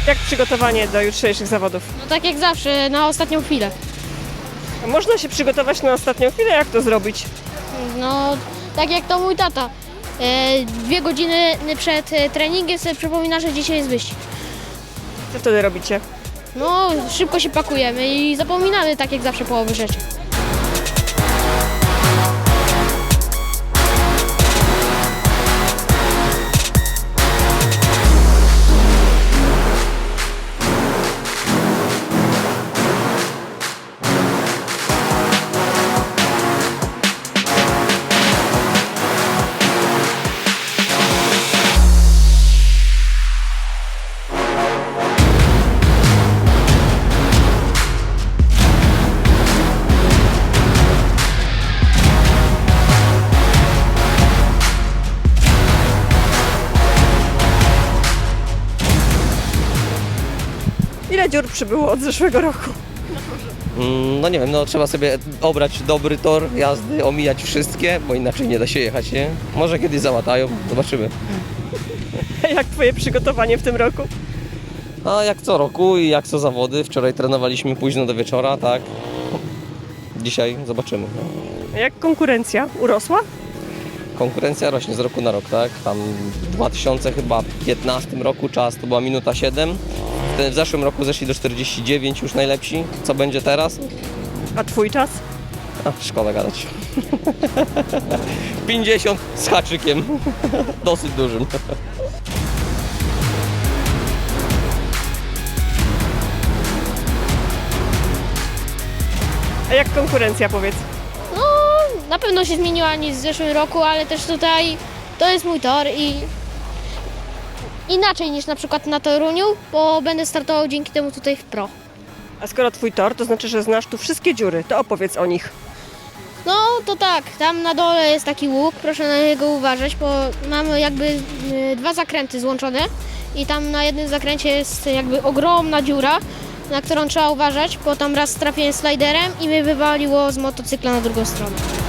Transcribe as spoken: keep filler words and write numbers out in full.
Jak przygotowanie do jutrzejszych zawodów? No tak jak zawsze, na ostatnią chwilę. A można się przygotować na ostatnią chwilę? Jak to zrobić? No tak jak to mój tata. E, dwie godziny przed e, treningiem sobie przypomina, że dzisiaj jest wyścig. Co wtedy robicie? No szybko się pakujemy i zapominamy tak jak zawsze połowy rzeczy. Ile dziur przybyło od zeszłego roku? Mm, No nie wiem, no trzeba sobie obrać dobry tor jazdy, omijać wszystkie, bo inaczej nie da się jechać, nie? Może kiedyś załatają, zobaczymy. Jak twoje przygotowanie w tym roku? A jak co roku i jak co zawody, wczoraj trenowaliśmy późno do wieczora, tak? Dzisiaj zobaczymy. No. A jak konkurencja? Urosła? Konkurencja rośnie z roku na rok, tak? Tam w dwa tysiące piętnastym roku czas to była minuta siedem. W zeszłym roku zeszli do czterdzieści dziewięć już najlepsi. Co będzie teraz? A twój czas? A, szkoda gadać. pięćdziesiąt z haczykiem. Dosyć dużym. A jak konkurencja, powiedz? No na pewno się zmieniła niż w zeszłym roku, ale też tutaj to jest mój tor i inaczej niż na przykład na Toruniu, bo będę startował dzięki temu tutaj w pro. A skoro twój tor, to znaczy, że znasz tu wszystkie dziury, to opowiedz o nich. No to tak, tam na dole jest taki łuk, proszę na niego uważać, bo mamy jakby y, dwa zakręty złączone i tam na jednym zakręcie jest jakby ogromna dziura, na którą trzeba uważać, bo tam raz trafiłem sliderem i mnie wywaliło z motocykla na drugą stronę.